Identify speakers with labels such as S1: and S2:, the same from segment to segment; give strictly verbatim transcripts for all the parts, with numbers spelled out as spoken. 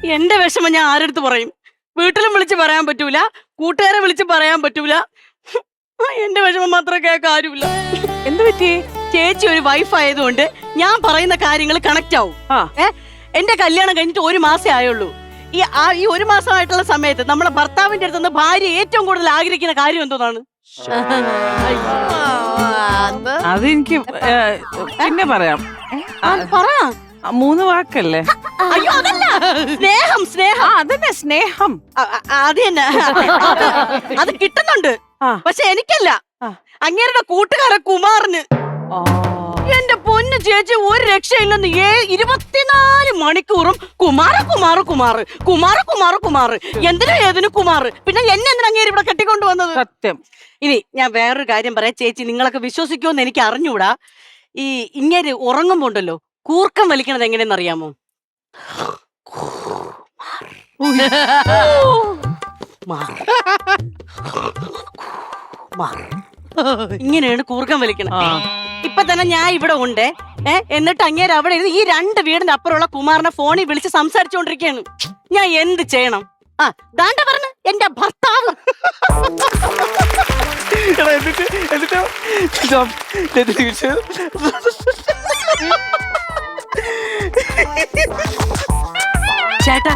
S1: എന്റെ വിഷമം ഞാൻ ആരെടുത്ത് പറയും? വീട്ടിലും വിളിച്ച് പറയാൻ പറ്റൂല, കൂട്ടുകാരെ വിളിച്ച് പറയാൻ പറ്റൂല. എന്റെ വിഷമം മാത്രമേ കേൾക്കാൻ ആരുമില്ല.
S2: എന്ത് പറ്റി?
S1: ചേച്ചി ഒരു വൈഫ് ആയതുകൊണ്ട് ഞാൻ പറയുന്ന കാര്യങ്ങൾ കണക്ട് ആവും. ഏ എന്റെ കല്യാണം കഴിഞ്ഞിട്ട് ഒരു മാസേ ആയുള്ളൂ. ഈ ഈ ഒരു മാസമായിട്ടുള്ള സമയത്ത് നമ്മളെ ഭർത്താവിന്റെ അടുത്തുനിന്ന് ഭാര്യ ഏറ്റവും കൂടുതൽ ആഗ്രഹിക്കുന്ന കാര്യം എന്തോന്നാണ്?
S2: അതെനിക്ക് പിന്നെ പറയാം.
S1: പറ.
S2: മൂന്ന് വാക്കല്ലേ?
S1: അയ്യോ അതല്ല, സ്നേഹം. സ്നേഹം
S2: അതന്നെ സ്നേഹം.
S1: അത് തന്നെ. അത് കിട്ടുന്നുണ്ട്, പക്ഷെ എനിക്കല്ല, അങ്ങേരുടെ കൂട്ടുകാരൻ കുമാറിന്. എന്റെ പൊന്നു ചേച്ചി, ഒരു രക്ഷയില്ലെന്ന്. ഏ ഇരുപത്തിനാല് മണിക്കൂറും കുമാര കുമാർ കുമാർ കുമാര കുമാർ കുമാർ എന്തിനും ഏതിനും കുമാർ. പിന്നെ എന്നെ എന്തിനാ അങ്ങേര് ഇവിടെ കെട്ടിക്കൊണ്ടുവന്നത്?
S2: സത്യം.
S1: ഇനി ഞാൻ വേറൊരു കാര്യം പറയാം ചേച്ചി, നിങ്ങളൊക്കെ വിശ്വസിക്കുമെന്ന് എനിക്ക് അറിഞ്ഞൂടാ. ഈ ഇങ്ങേര് ഉറങ്ങുമ്പോ ഉണ്ടല്ലോ കൂർക്കം വലിക്കണത് എങ്ങനെയെന്ന് അറിയാമോ? ഇങ്ങനെയാണ് കൂർക്കം വലിക്കണത്. ഇപ്പൊ തന്നെ ഞാൻ ഇവിടെ ഉണ്ട്. ഏഹ് എന്നിട്ട് അങ്ങേര് അവിടെ ഇരുന്ന് ഈ രണ്ട് വീടിന്റെ അപ്പുറമുള്ള കുമാറിനെ ഫോണിൽ വിളിച്ച് സംസാരിച്ചോണ്ടിരിക്കുകയാണ്. ഞാൻ എന്ത് ചെയ്യണം? ആ ദാണ്ട പറഞ്ഞു എന്റെ ഭർത്താവ്. ചേട്ടാ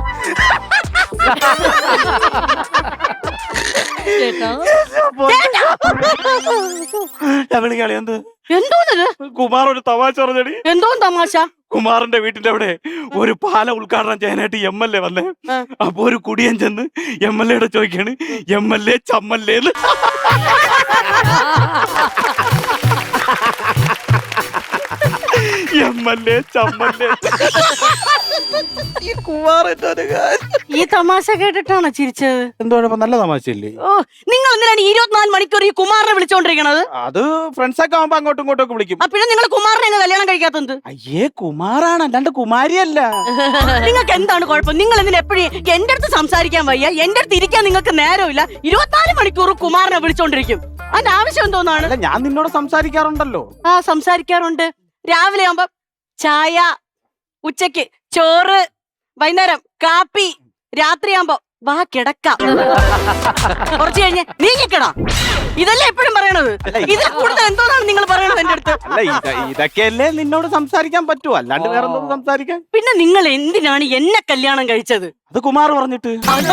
S1: എന്തോന്നത്?
S3: കുമാർ ഒരു തമാശ പറഞ്ഞടി.
S1: എന്തോ തമാശ?
S3: കുമാറിന്റെ വീട്ടിന്റെ അവിടെ ഒരു പാല ഉദ്ഘാടനം ചെയ്യാനായിട്ട് എം എൽ എ വന്നേ. അപ്പൊ ഒരു കുടിയൻ ചെന്ന് എം എൽ എയുടെ ചോദിക്കാണ്, എം എൽ എ ചമ്മല്ലേന്ന്. എം എൽ എ ചമ്മല്ലേ. ഈ കുമാർ എന്തോ
S1: ഈ തമാശ കേട്ടിട്ടാണോ ചിരിച്ചത്?
S3: എന്തോ നല്ല തമാശയല്ലേ?
S1: ഓ, നിങ്ങൾ എന്തിനാണ് ഇരുപത്തിനാല് മണിക്കൂർ ഈ കുമാറിനെ വിളിച്ചോണ്ടിരിക്കണത്?
S3: അത് ഫ്രണ്ട്സ് ഒക്കെ ആവുമ്പോ അങ്ങോട്ടും ഇങ്ങോട്ടും ഒക്കെ വിളിക്കും.
S1: പിന്നെ നിങ്ങൾ കുമാറിനെ കല്യാണം കഴിക്കാത്തത്?
S3: അയ്യേ, കുമാറാണ്, അല്ലാണ്ട് കുമാരിയല്ല.
S1: നിങ്ങൾക്ക് എന്താണ് കുഴപ്പം? നിങ്ങൾ എന്തിനാ എപ്പോഴും എന്റെ അടുത്ത് സംസാരിക്കാൻ വയ്യ, എന്റെ അടുത്ത് ഇരിക്കാൻ നിങ്ങൾക്ക് നേരമില്ല, ഇരുപത്തിനാല് മണിക്കൂർ കുമാറിനെ വിളിച്ചോണ്ടിരിക്കും. അതിന്റെ ആവശ്യം എന്തോന്നാണ്?
S3: ഞാൻ നിന്നോട് സംസാരിക്കാറുണ്ടല്ലോ.
S1: ആ സംസാരിക്കാറുണ്ട്. രാവിലെ ആവുമ്പോ ചായ, ഉച്ചക്ക് ചോറ്, വൈകുന്നേരം കാപ്പി, രാത്രിയാകുമ്പോ വാ കിടക്കാം, കുറച്ച് കഴിഞ്ഞ് നീങ്ങിക്കടാ. ഇതല്ലേ എപ്പോഴും പറയണത്. ഇതിൽ കൂടുതൽ എന്തോന്നാണ് നിങ്ങൾ പറയണത് എന്റെ അടുത്ത്?
S3: അല്ല, ഇതൊക്കെയല്ലേ നിന്നോട് സംസാരിക്കാൻ പറ്റൂ, അല്ലാണ്ട് വേറെ എന്തോ സംസാരിക്കാൻ.
S1: പിന്നെ നിങ്ങൾ എന്തിനാണ് എന്നെ കല്യാണം കഴിച്ചത്?
S3: അത് കുമാർ പറഞ്ഞിട്ട്.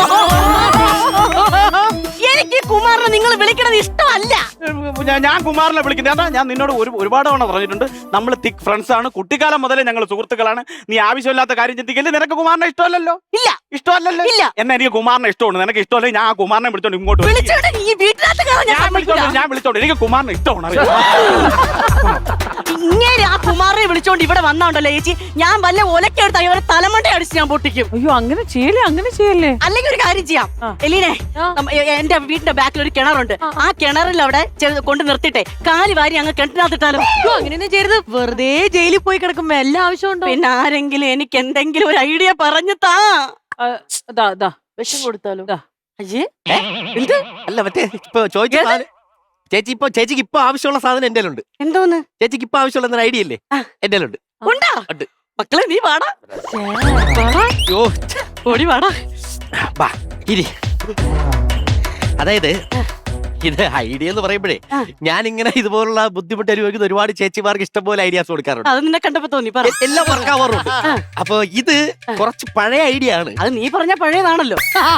S1: എനിക്ക് കുമാറിനെ നിങ്ങൾ വിളിക്കണത് ഇഷ്ടമല്ല.
S3: ഞാൻ കുമാറിനെ വിളിക്കുന്നത് ഞാൻ നിന്നോട് ഒരു ഒരുപാട് തവണ പറഞ്ഞിട്ടുണ്ട്. നമ്മൾ തിക് ഫ്രണ്ട്സ് ആണ്, കുട്ടിക്കാലം മുതലേ ഞങ്ങൾ സുഹൃത്തുക്കളാണ്. നീ ആവശ്യമില്ലാത്ത കാര്യം ചിന്തിക്കല്ലേ. നിനക്ക് കുമാറിനെ ഇഷ്ടമല്ലല്ലോ?
S1: ഇല്ല,
S3: ഇഷ്ടമല്ലല്ലോ.
S1: ഇല്ല.
S3: എന്നാ എനിക്ക് കുമാറിനെ ഇഷ്ടമാണ്. നിനക്ക് ഇഷ്ടമല്ല, ഞാൻ ആ കുമാറിനെ വിളിച്ചോണ്ട് ഇങ്ങോട്ട്
S1: ഞാൻ വിളിച്ചോണ്ട്
S3: ഞാൻ വിളിച്ചോണ്ട് എനിക്ക് കുമാറിനെ ഇഷ്ടമാണ്.
S1: ഇങ്ങനെ ആ കുമാറിനെ വിളിച്ചോണ്ട് ഇവിടെ വന്നോണ്ടല്ലോ ചേച്ചി, ഞാൻ വല്ല ഒലക്കെടുത്ത് അവരെ തലമണ്ട അടിച്ച് ഞാൻ പൊട്ടിക്കും.
S2: അയ്യോ, അങ്ങനെ ചെയ്യല്ലേ, അങ്ങനെ ചെയ്യല്ലേ.
S1: അല്ലെങ്കിൽ ഒരു കാര്യം ചെയ്യാം എലീനെ, എന്റെ വീടിന്റെ ബാക്കിൽ ഒരു കിണറുണ്ട്. ആ കിണറിൽ അവിടെ കൊണ്ട് നിർത്തിട്ടെ കാലി വാരി അങ്ങ് കിണറ്റിനകത്തിട്ടാലും.
S4: അങ്ങനെ ചെയ്യരുത്, വെറുതെ ജയിലിൽ പോയി കിടക്കുമ്പോ എല്ലാ ആവശ്യമുണ്ടോ?
S1: പിന്നെ ആരെങ്കിലും എനിക്ക് എന്തെങ്കിലും ഒരു ഐഡിയ പറഞ്ഞു താ.
S4: വിഷം കൊടുത്താലോ?
S1: അയ്യേ,
S5: എന്ത്? അല്ല, മറ്റേ ഇപ്പൊ ചോദിച്ച ചേച്ചി, ഇപ്പൊ ചേച്ചിക്ക് ഇപ്പൊ ആവശ്യമുള്ള സാധനം എന്റെ ഉണ്ട്.
S1: എന്തോന്ന്?
S5: ചേച്ചിക്ക് ഇപ്പൊ ആവശ്യമുള്ള ഐഡിയ ഇല്ലേ? എന്റെ ഉണ്ട്.
S1: ഉണ്ടാ മക്കളെ, നീ വാടാ, ഓടി വാടാ.
S5: ഇരി. അതായത് ഇത് ഐഡിയ എന്ന് പറയുമ്പോഴേ ഞാൻ ഇങ്ങനെ ഇതുപോലുള്ള ബുദ്ധിമുട്ട് അനുഭവിക്കുന്ന ഒരുപാട് ചേച്ചിമാർക്ക് ഇഷ്ടംപോലെ ഐഡിയാസ് കൊടുക്കാറുണ്ട്.
S1: അത് നിന്നെ കണ്ടപ്പോ തോന്നി,
S5: എല്ലാം വർക്കാവാറുണ്ട്. അപ്പൊ ഇത് കുറച്ച് പഴയ ഐഡിയ ആണ്.
S1: അത് നീ പറഞ്ഞ പഴയതാണല്ലോ.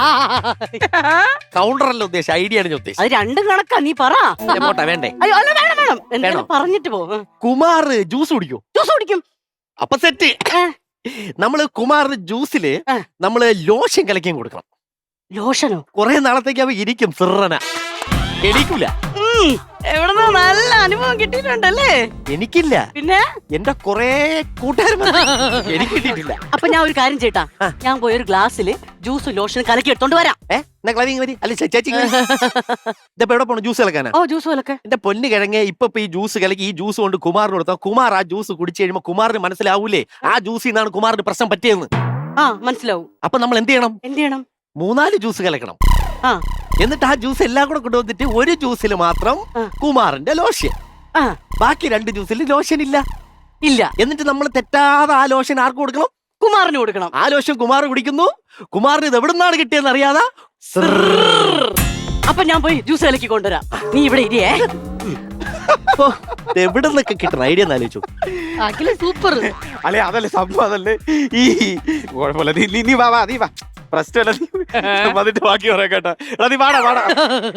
S5: കൗണ്ടർ അല്ല ഉദ്ദേശം, ഐഡിയ ആണ് ഞാൻ ഉദ്ദേശിച്ചത്.
S1: അത് രണ്ടും കണക്കാ, നീ പറ.
S5: പോട്ടെ, വേണ്ടേ?
S1: അയ്യോ, അല്ല, വേണം വേണം, എന്തായാലും പറഞ്ഞിട്ട് പോ.
S5: കുമാർ ജ്യൂസ് കുടിക്കോ?
S1: ജ്യൂസ് കുടിക്കും.
S5: അപ്പൊ സെറ്റ്. നമ്മള് കുമാറിന് ജ്യൂസില് നമ്മള് ലോഷൻ കലക്കിയും കൊടുക്കണം.
S1: ലോഷനോ?
S5: കൊറേ നാളത്തേക്ക് അവ ഇരിക്കും, സിറന എണീക്കൂല.
S1: എവിടുന്നോ നല്ല അനുഭവം കിട്ടിയിട്ടുണ്ടല്ലേ?
S5: എനിക്കില്ല,
S1: പിന്നെ
S5: എന്റെ കൊറേ കൂട്ടുകാരും എനിക്ക് കിട്ടിയിട്ടില്ല.
S1: അപ്പൊ ഞാൻ ഒരു കാര്യം ചെയ്യട്ടാ, ഞാൻ പോയി ഒരു ഗ്ലാസ്സില് ജ്യൂസ് ലോഷൻ കലക്കി എടുത്തോണ്ട് വരാം.
S5: ചേച്ചി ഇപ്പൊ എവിടെ പോണു? ജ്യൂസ് കലക്കാനാ?
S1: ഓ, ജ്യൂസ് കലക്കെ.
S5: എന്റെ പൊന്ന് കിഴങ്ങ്, ഇപ്പൊ ഈ ജ്യൂസ് കലക്കി ഈ ജ്യൂസ് കൊണ്ട് കുമാറിന് കൊടുത്താൽ കുമാർ ആ ജ്യൂസ് കുടിച്ചു കഴിയുമ്പോ കുമാറിന് മനസ്സിലാവൂലേ ആ ജ്യൂസിൽ നിന്നാണ് കുമാറിന് പ്രശ്നം പറ്റിയെന്ന്?
S1: ആ, മനസ്സിലാവും.
S5: അപ്പൊ നമ്മൾ എന്ത് ചെയ്യണം?
S1: എന്ത് ചെയ്യണം?
S5: മൂന്നാല് ജ്യൂസ് കലക്കണം.
S1: ആ,
S5: എന്നിട്ട് ആ ജ്യൂസ് എല്ലാം കൂടെ കൊണ്ടുവന്നിട്ട് ഒരു ജ്യൂസിൽ മാത്രം കുമാറിന്റെ ലോഷൻ, ബാക്കി രണ്ട് ജ്യൂസിൽ ലോഷൻ ഇല്ല
S1: ഇല്ല.
S5: എന്നിട്ട് നമ്മൾ തെറ്റാതെ ആ ലോഷൻ ആർക്ക് കൊടുക്കണം?
S1: കുമാറിന് കൊടുക്കണം.
S5: ആ ലോഷൻ കുമാർ കുടിക്കുന്നു. കുമാറിന് ഇത് എവിടുന്നാണ് കിട്ടിയെന്ന് അറിയാതെ
S1: അപ്പൊ ഞാൻ പോയി ജ്യൂസ് കലക്കി കൊണ്ടുവരാം. നീ ഇവിടെ ഇരിയേ.
S5: എവിടെ നിന്നൊക്കെ കിട്ടുന്ന ഐഡിയ എന്ന് ആലോചിച്ചു.
S4: അഖില സൂപ്പർ.
S3: അല്ലെ അതല്ലേ സംഭവം, അതല്ലേ ഈ കുഴപ്പമില്ല. നീ നീ- നീ വാ വാ നീ വാ പ്രശ്നമല്ല. നീ വന്നിട്ട് ബാക്കി പറയാം കേട്ടാ. എടാ നീ വാടാ വാടാ.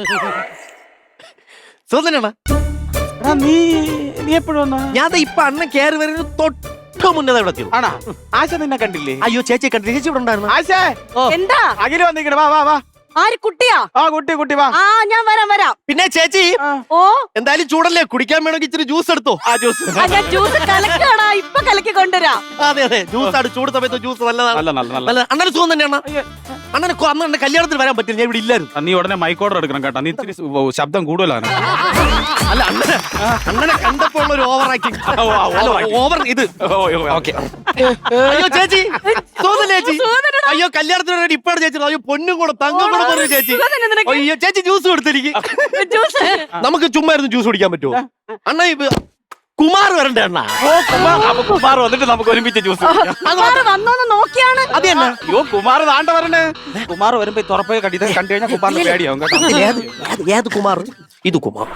S5: സുഖം
S3: എടാ നീ നീ എപ്പോഴും വന്നാ?
S5: ഞാൻ ദേ ഇപ്പൊ അണ്ണൻ കയറി വരുന്നത് തൊട്ട് മുന്നേ ഇവിടെ എത്തിയുള്ളൂ.
S3: ആണാ? ആശ നിന്നെ കണ്ടില്ലേ?
S5: അയ്യോ ചേച്ചി കണ്ടു. ചേച്ചി ഇവിടെ ഉണ്ടായിരുന്നു.
S3: ആശേ
S1: എന്താ?
S3: അഖില് വന്നിരിക്കണ. വാ വാ വാ.
S1: ആര് കുട്ടിയാ?
S3: ആ കുട്ടി കുട്ടി വാ.
S1: ആ ഞാൻ വരാം വരാം.
S5: പിന്നെ ചേച്ചി
S1: ഓ
S5: എന്തായാലും ചൂടല്ലേ, കുടിക്കാൻ വേണമെങ്കിൽ ഇച്ചിരി ജ്യൂസ് എടുത്തോ.
S3: ആ ജ്യൂസ്
S1: ആ, ഞാൻ ജ്യൂസ് കലക്കാടാ, ഇപ്പൊ കലക്കി കൊണ്ടുവരാം.
S5: അതെ അതെ ജ്യൂസ് ആണ്. ചൂട് സമയത്ത് ജ്യൂസ് നല്ലതാണ്.
S3: നല്ല നല്ല നല്ല.
S5: നല്ല അണ്ണന് സുഖം തന്നെയാണ്. അണ്ണന് കൊ- അന്ന് എന്റെ കല്യാണത്തിന് വരാൻ പറ്റില്ല, ഞാൻ ഇവിടെ ഇല്ലായിരുന്നു.
S3: ആ, നീ ഉടനെ മൈക്ക് ഓർഡർ എടുക്കണം കേട്ടോ. നീ ഇത്തിരി സു- ഓ, ശബ്ദം കൂടുതലാണ്.
S5: അല്ല അണ്ണനെ അണ്ണനെ കണ്ടപ്പോൾ ഉള്ള ഒരു ഓവർ ആക്ടിങ്.
S3: ഓ, ആ, over acting.
S5: ഓവർ ഇത്.
S3: ഓ, ഓ,
S5: ഓക്കെ. അയ്യോ ചേച്ചി തോന്നല്ലേ ചേച്ചി? അയ്യോ കല്യാണത്തിന് വേണ്ടി ഇപ്പഴാണ് ചേച്ചി. അയ്യോ പൊന്നും കൂടെ തങ്കം കൂടെ പറഞ്ഞു ചേച്ചി. അയ്യോ ചേച്ചി ജ്യൂസ് കൊടുത്തിരിക്കും.
S1: ജ്യൂസ്
S5: നമുക്ക് ചുമ്മാ ഇരുന്ന് ജ്യൂസ് കുടിക്കാൻ പറ്റുമോ? അണ്ണ ഇപ്പൊ കുമാർ വരണ്ടേ അണ്ണ?
S3: ഓ, കുമാർ. അപ്പൊ കുമാർ വന്നിട്ട് നമുക്ക് ഒരുമിച്ച് ജ്യൂസ് കുടിക്കാം.
S1: കുമാറ് വന്നോന്ന് നോക്കിയാണ്.
S5: അത് തന്നെ.
S3: അയ്യോ കുമാർ താണ്ട വരണേ. കുമാർ വരുമ്പോ ഈ തുറപ്പേ കണ്ടി കണ്ടു കഴിഞ്ഞാൽ കുമാറിന് പേടിയാവും കേട്ടോ.
S5: ഏത് ഏത് ഏത് കുമാർ? ഇത് കുമാർ.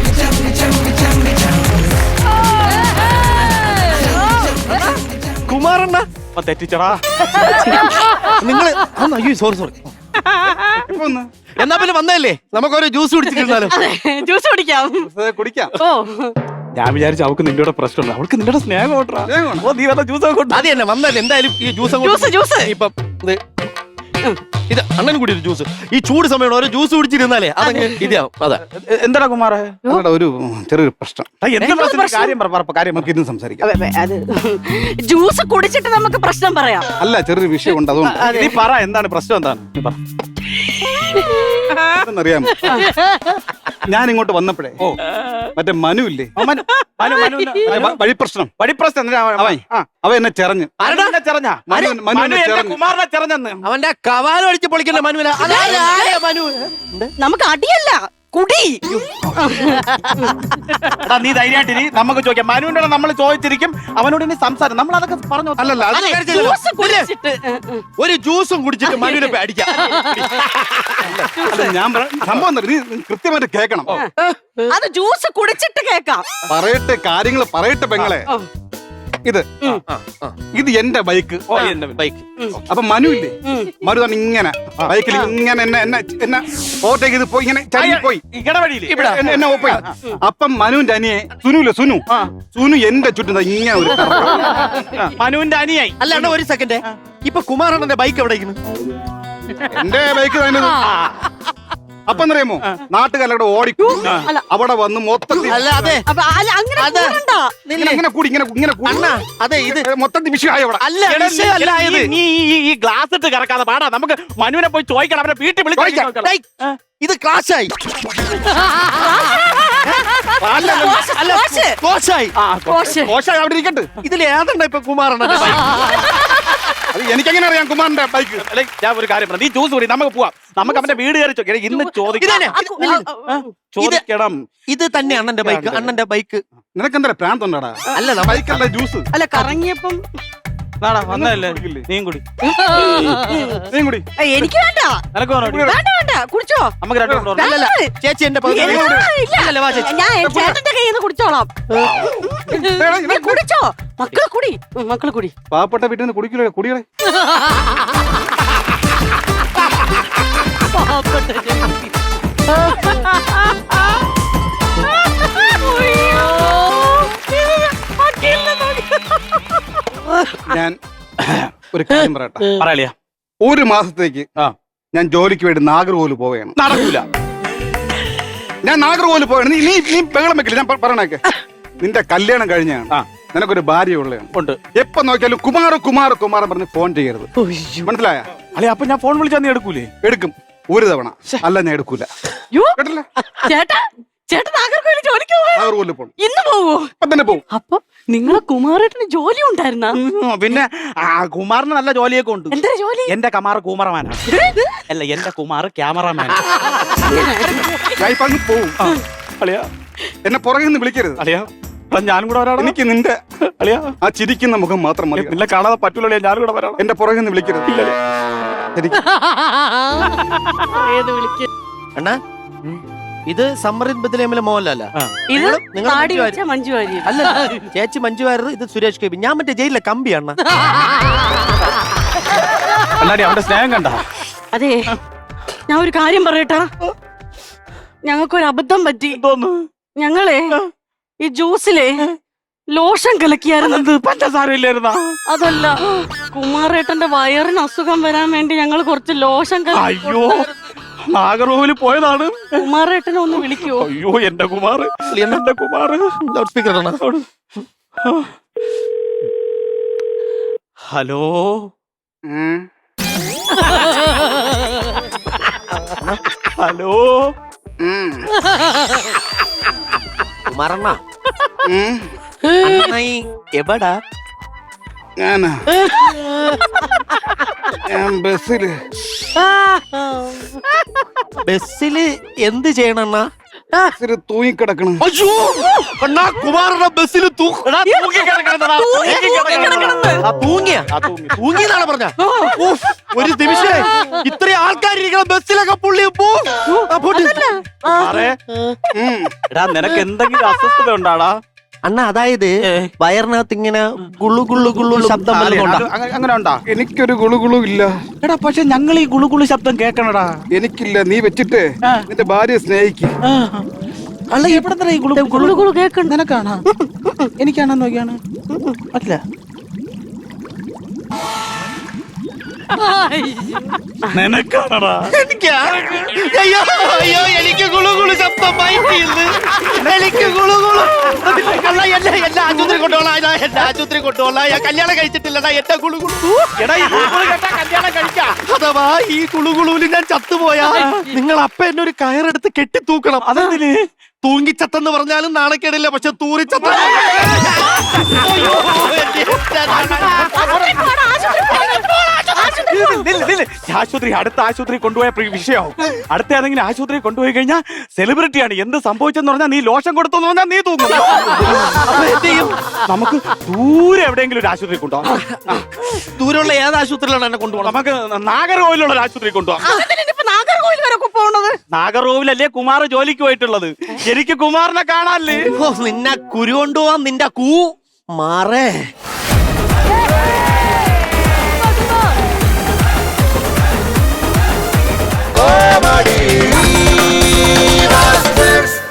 S5: കുമാറണ്ണ
S3: അപ്പൊ തെറ്റിച്ചടാ.
S5: നിങ്ങള് അന്ന് അയ്യോ സോറി സോറി.
S3: ഇപ്പൊ ഒന്ന്
S5: എന്നാ പിന്നെ വന്നതല്ലേ, നമുക്കൊരു ജ്യൂസ് കുടിച്ചിരുന്നാലോ?
S1: ജ്യൂസ് കുടിക്കാം.
S3: ജ്യൂസ് കുടിക്കാം.
S1: ഓ
S3: ഞാൻ വിചാരിച്ചു അവൾക്ക് നിന്റെ കൂടെ പ്രശ്നമുണ്ട്. അവൾക്ക് നിന്റെ സ്നേഹം ഓട്ടാ. ഓ നീ വന്ന ജ്യൂസ് കൊണ്ട്
S5: അത് തന്നെ വന്നല്ലേ. എന്തായാലും ഈ ജ്യൂസ്
S1: ജ്യൂസ് ജ്യൂസ്
S5: ഇപ്പം ഇത് ഇത് അണ്ണൻ കൂടി ഒരു ജ്യൂസ്. ഈ ചൂട് സമയം ഓരോ ജ്യൂസ് കുടിച്ചിരുന്നാലേ അതങ്ങ് ഇതാവും. അതാ
S3: എന്താടാ കുമാറേ?
S6: ഒരു ചെറിയൊരു പ്രശ്നം.
S3: എന്ത് പ്രശ്നം? കാര്യം പറ, പറ, കാര്യം നമുക്ക് ഇന്ന് സംസാരിക്കാം.
S1: അതെ, അതെ, അത് ജ്യൂസ് കുടിച്ചിട്ട് നമുക്ക് പ്രശ്നം പറയാം.
S6: അല്ല, ചെറിയൊരു വിഷയമുണ്ട്, അതുകൊണ്ട്
S3: നീ പറ, എന്താണ് പ്രശ്നം? എന്താണ് നീ പറ.
S6: അറിയാമോ, ഞാൻ ഇങ്ങോട്ട് വന്നപ്പോഴേ
S3: ഓ
S6: മറ്റേ മനു ഇല്ലേ,
S3: മനു, മനു, മനുവിന്
S6: വ- വഴിപ്രശ്നം,
S3: വഴിപ്രശ്നം എന്തിനാ അവൻ?
S6: അവൻ
S3: ആ,
S6: അവ എന്നെ ചെറഞ്ഞ്
S3: മനു എന്നെ ചെറഞ്ഞാ?
S6: മനു മനു
S3: മനു
S6: എന്നെ
S3: എന്നെ
S6: ചെറഞ്ഞ്
S3: കുമാറിനെ ചെറഞ്ഞെന്ന്.
S5: അവന്റെ കവാലം അടിച്ച് പൊളിക്കണ്ട മനുവില. മനു
S1: നമുക്ക് അടിയല്ല, കുടി.
S3: എടാ നീ ധൈര്യമായിട്ടിരി, നമുക്ക് ചോദിക്കാം. മനുവിന്റെ നമ്മൾ ചോദിച്ചിരിക്കും, അവനോട് ഇനി സംസാരം നമ്മൾ അതൊക്കെ പറഞ്ഞു.
S6: അല്ലല്ല, അത്
S5: അതെ, ജ്യൂസ്
S1: ജ്യൂസ് കുടിച്ചിട്ട്
S5: ഒരു ജ്യൂസും കുടിച്ചിട്ട് മനുവിനെ പോയി അടിക്കാം.
S6: അല്ല, ഞാൻ പറ- സംഭവം എന്താ, നീ നീ കൃത്യമായിട്ട് കേൾക്കണം.
S1: അത് ജ്യൂസ് കുടിച്ചിട്ട് കേക്കാം.
S6: പറയട്ടെ, കാര്യങ്ങൾ പറയട്ടെ പെങ്ങളെ. ഇത് ഇത് എന്റെ ബൈക്ക്.
S3: ഓ, എന്റെ
S5: ബൈക്ക്
S6: അപ്പൊ മനു ഇല്ലേ,
S1: ഉം.
S6: മനു തന്നെ ഇങ്ങനെ ബൈക്കിൽ ഇങ്ങനെ എന്നെ എന്നെ എന്നെ ഓവർടേക്ക് ചെയ്ത് പോയി, ഇങ്ങനെ ചരിഞ്ഞ് പോയി
S3: ഇടവഴിയിൽ
S6: എന്നെ- എന്നെ ഓപ്പ അപ്പം മനുവിന്റെ അനിയെ സുനുല്ലേ, സുനു സുനു എന്റെ ചുറ്റും ദാ ഇങ്ങനെ ഒരു കറക്കം.
S3: മനുവിന്റെ അനിയായി.
S5: അല്ല അണ്ണ ഒരു സെക്കൻഡ്. ഇപ്പൊ കുമാറണ്ണന്റെ ബൈക്ക് എവിടെ ഇരിക്കുന്നു?
S6: എന്റെ ബൈക്ക് തന്നെ. അപ്പൊ എന്നറിയാമോ, നാട്ടുകാരുടെ ഓടിക്കും
S1: അല്ല.
S6: അവിടെ വന്ന് മൊത്തത്തിൽ
S5: അല്ല അതെ
S1: അപ്പൊ അല്ല, അങ്ങനെ
S5: അതെ.
S1: കൂടണ്ട.
S6: ഇങ്ങനെ ഇങ്ങനെ കൂടി ഇങ്ങനെ ഇങ്ങനെ കൂടി
S5: അണ്ണ അതെ ഇത്
S6: മൊത്തത്തിൽ വിഷയമായി അവിടെ.
S5: അല്ല
S3: എടാ, നീ-
S5: വിഷയമല്ല
S3: നീ-
S5: ഇത്.
S3: നീ ഈ- ഈ ഗ്ലാസ് ഇട്ട് കറക്കാതെ പാടാ. നമുക്ക് മനുവിനെ പോയി ചോദിക്കണം, അവരെ വീട്ടിൽ
S6: ചോദിക്കാം.
S3: വിളിക്കാം.
S5: ഡേയ്, ഇത് ക്ലാഷായി.
S3: അല്ല, അല്ല,
S1: കോശ്,
S5: അല്ല
S1: കോശ്.
S5: കോശായി.
S3: ആ,
S1: കോശ്.
S6: മോശമായി അവിടെ ഇരിക്കട്ടെ.
S5: ഇതിൽ ഏതണ്ട ഇപ്പൊ കുമാറണ്ണന്റെ ബൈക്ക്?
S6: അത് എനിക്കെങ്ങനെ അറിയാം കുമാറിന്റെ ബൈക്ക്?
S3: അല്ലെ, ഞാൻ ഒരു കാര്യം പറയാം. നീ ജ്യൂസ് കുടി, നമുക്ക് പോവാം. നമുക്ക് അവന്റെ വീട് കയറി ചോദിക്കാം. ഇന്ന് ചോദിക്കണം,
S5: ഇതന്നെ.
S1: ആ, കു- ആ, ആ,
S3: ചോദിക്കണം.
S5: ഇത് തന്നെ അണ്ണന്റെ ബൈക്ക്. അണ്ണന്റെ ബൈക്ക്
S6: നിനക്കെന്താ പ്രാന്തുണ്ടാടാ?
S5: അല്ല നമ്മ-
S6: ബൈക്കല്ല ജ്യൂസ്.
S1: അല്ല കറങ്ങിയപ്പം
S3: നാടാ വന്നതല്ലേ,
S6: കുടിക്കില്ലേ?
S3: നീയും കുടി.
S6: നീ കൂടി.
S1: ഏ, എനിക്ക് വേണ്ട.
S3: നിനക്ക് വേണോ?
S1: വേണ്ട വേണ്ട, കുടിച്ചോ.
S3: നമുക്ക് രണ്ടു കൊണ്ടുവരണം.
S5: അല്ലല്ല ചേച്ചി എന്റെ പകുതി
S1: ഇല്ല, ഇല്ല.
S5: അല്ലല്ല, വാ ചേച്ചി.
S1: ഞാൻ ചേട്ടന്റെ കയ്യിൽ നിന്ന് കുടിച്ചോളാം. നീ കുടിച്ചോ, മക്കളെ കുടി, ഉം, മക്കളെ കുടി.
S6: പാവപ്പെട്ട വീട്ടിൽ നിന്ന് കുടിക്കില്ല, കുടികളെ. ഞാൻ ഒരു കാര്യം പറയട്ടെ.
S3: പറയലിയാ.
S6: ഒരു മാസത്തേക്ക്
S3: ആ.
S6: ഞാൻ ജോലിക്ക് വേണ്ടി നാഗർകോവിൽ പോവുകയാണ്.
S3: നടക്കൂല.
S6: ഞാൻ നാഗർകോവിൽ പോവുകയാണ്. നീ നീ നീ ബഹളം വെക്കില്ല, ഞാൻ പ- പറയണേക്കെ. നിന്റെ കല്യാണം കഴിഞ്ഞാണ്,
S3: ആ.
S6: നിനക്കൊരു ഭാര്യ ഉള്ളതാണ്.
S3: ഉണ്ട്.
S6: എപ്പോ നോക്കിയാലും കുമാർ കുമാർ കുമാർ പറഞ്ഞ് ഫോൺ ചെയ്യരുത്, മനസ്സിലായ?
S3: അല്ലെ, അപ്പൊ ഞാൻ ഫോൺ വിളിച്ചാൽ നീ എടുക്കൂലേ?
S6: എടുക്കും ഒരു തവണ, അല്ല ഞാൻ എടുക്കൂല.
S1: യ്യോ,
S6: കേട്ടില്ല?
S1: ചേട്ടാ ചേട്ടൻ നാഗർകോവിൽ ജോലിക്ക് പോവാ.
S6: നാഗർകോവിൽ പോകണം,
S1: ഇന്ന് പോവോ?
S6: ഇപ്പൊ തന്നെ പോകും.
S1: അപ്പൊ നിങ്ങളെ കുമാരേട്ടന് ജോലി ഉണ്ടായിരുന്ന?
S3: ഉം, പിന്നെ ആ കുമാറിന് നല്ല ജോലിയൊക്കെ ഉണ്ട്.
S1: എന്താ ജോലി?
S3: എന്റെ കമാർ കൂമറമാനാണ്. അല്ല, എന്റെ കുമാർ ക്യാമറമാൻ.
S6: ഞാൻ ഇപ്പൊ അങ്ങ് പോവും.
S3: അളിയാ,
S6: എന്നെ പുറകിൽ നിന്ന് വിളിക്കരുത്.
S3: അളിയാ, എടാ, ഞാനും കൂടെ വരാടാ.
S6: എനിക്ക് നിന്റെ
S3: അളിയാ
S6: ആ ചിരിക്കുന്ന മുഖം മാത്രം മതി.
S3: നിന്നെ കാണാതെ പറ്റൂല, ഞാനും കൂടെ വരാടാ.
S6: എന്റെ പുറകെ നിന്ന് വിളിക്കരുത്. എനിക്ക്
S4: ഏത് വിളിക്ക്
S5: അണ്ണാ ഇത് സമ്മറിൻ ബദലേമിലെ മോഹൻലാല.
S1: ഇത്
S5: നിങ്ങള്- നിങ്ങള്
S1: താടി
S5: മഞ്ജു
S1: വെച്ച മഞ്ജു വാര്യർ.
S5: അല്ല ചേച്ചി മഞ്ജു വാര്യർ, ഇത് സുരേഷ് ഗോപി. ഞാൻ മറ്റേ ജയിലിലെ കമ്പിയാണ്.
S3: അല്ലാടി അവന്റെ സ്നേഹം കണ്ട.
S1: അതെ, ഞാൻ ഒരു കാര്യം പറയട്ടാ. ഞങ്ങൾക്കൊരു അബദ്ധം പറ്റി.
S3: തോന്നു
S1: ഞങ്ങളെ ഈ ജ്യൂസിലെ ലോഷൻ കലക്കിയായിരുന്നു.
S3: പഞ്ചസാര ഇല്ലായിരുന്ന.
S1: അതല്ല, കുമാരേട്ടന്റെ വയറിന് അസുഖം വരാൻ വേണ്ടി ഞങ്ങൾ കുറച്ച് ലോഷൻ കലക്കി
S3: അയ്യോ, നാഗർകോവില് പോയതാണ്.
S1: കുമാരേട്ടനെ ഒന്ന് വിളിക്കുവോ?
S3: അയ്യോ എന്റെ കുമാർ, എന്റെ കുമാർ.
S5: ലൗഡ് സ്പീക്കർ ആണ്.
S3: ഹലോ
S6: ഉം.
S3: ഹലോ.
S6: ഉം.
S5: കുമാരണ്ണ
S6: ഉം.
S5: അണ്ണായി എവിടാ?
S6: ഞാനാ ഞാൻ ബസ്സില്
S5: ബസ്സില് എന്ത് ചെയ്യണണ്ണ?
S6: ബസ്സില് തൂങ്ങിക്കിടക്കണം.
S5: അയ്യോ അണ്ണാ, കുമാരണ്ണ ബസ്സില് തൂ-
S3: എടാ, തൂങ്ങി കിടക്കണെന്നെടാ, തൂങ്ങി കിടക്കണെന്ന്.
S5: ആ, തൂങ്ങിയ
S3: ആ, തൂങ്ങി.
S5: തൂങ്ങിയെന്നാണ് പറഞ്ഞ. ഒരു നിമിഷേ, ഇത്രയും ആൾക്കാരിരിക്കണം ബസ്സിലൊക്കെ പുള്ളി പോ. ആ, പോട്ടെ.
S3: സാറേ,
S6: ഉം.
S3: എടാ നിനക്ക് എന്തെങ്കിലും അസ്വസ്ഥത ഉണ്ടാടാ?
S5: അണ്ണ അതായത് വയറിനകത്ത് ഇങ്ങനെ ഗുള്ളു ഗുള്ളു ഗുള്ളു ശബ്ദം
S3: അത്
S5: വല്ലതും ഉണ്ടോ?
S3: അങ്ങ- അങ്ങനെ ഉണ്ടാ?
S6: എനിക്കൊരു ഗുളുകുളു ഇല്ല.
S3: എടാ പക്ഷെ ഞങ്ങൾ ഈ ഗുളുഗുളു ശബ്ദം കേൾക്കണടാ.
S6: എനിക്കില്ല. നീ വെച്ചിട്ട് നിന്റെ ഭാര്യയെ സ്നേഹിക്കും.
S3: അല്ല എവിടെ ഈ ഗുളു
S1: ഗുളു ഗുളു കേക്കണ്ട.
S3: നിനക്കാണോ? എനിക്കാണോ നോക്കിയാണ്? അല്ല നിനക്കാണടാ.
S5: എനിക്ക് അയ്യോ അയ്യോ എനിക്ക് ഗുളു ഗുളു ശബ്ദം മൈക്കിന്ന്. എനിക്ക് ഗുളു ഗുളു. അല്ല എന്നെ എന്നെ ആശുപത്രി കൊണ്ടുപോകാം. ഇതാ എന്നെ ആശുപത്രി കൊണ്ടുപോകാം. ഞാൻ കല്യാണം കഴിച്ചിട്ടില്ലടാ. എന്റെ ഗുളു ഗുളു.
S3: എടാ ഈ ഗുളുഗുളു കേട്ടാ കല്യാണം കഴിക്കാം.
S5: അഥവാ ഈ ഗുളുഗുളുവിൽ ഞാൻ ചത്തുപോയാ നിങ്ങൾ അപ്പ എന്നെ ഒരു കയറെടുത്ത് കെട്ടി തൂക്കണം.
S3: അതെന്തിന്?
S5: തൂങ്ങിച്ചത്തെന്ന് പറഞ്ഞാലും നാണക്കേടില്ല. പക്ഷെ തൂറിച്ചത്ത
S3: നില്ല്, നില്ല്. ആശുപത്രി അടുത്ത ആശുപത്രി കൊണ്ടുപോയ പ്രി- വിഷയാവും. അടുത്ത ഏതെങ്കിലും ആശുപത്രി കൊണ്ടുപോയി കഴിഞ്ഞാൽ സെലിബ്രിറ്റിയാണ്. എന്ത് സംഭവിച്ചെന്ന് പറഞ്ഞാൽ നീ ലോഷൻ കൊടുത്തെന്ന് പറഞ്ഞാൽ നീ തൂങ്ങും. അപ്പൊ എന്ത് ചെയ്യും? നമുക്ക് ദൂരെ എവിടെയെങ്കിലും ഒരു ആശുപത്രി കൊണ്ടുപോകാം.
S5: ദൂരമുള്ള ഏത് ആശുപത്രിയിലാണ് എന്നെ കൊണ്ടുപോകണം?
S3: നമുക്ക് നാഗർകോവിലുള്ള ഒരു ആശുപത്രി കൊണ്ടുപോകാം.
S1: അതിനിപ്പോ നാഗർകോവിൽ വരെ പോണത്?
S3: നാഗർകോവിലല്ലേ കുമാർ ജോലിക്ക് പോയിട്ടുള്ളത്. എനിക്ക് കുമാറിനെ കാണാല്ലേ?
S5: ഓ, നിന്നെ കുരു കൊണ്ടുപോവാൻ നിന്റെ കൂ മാറേ.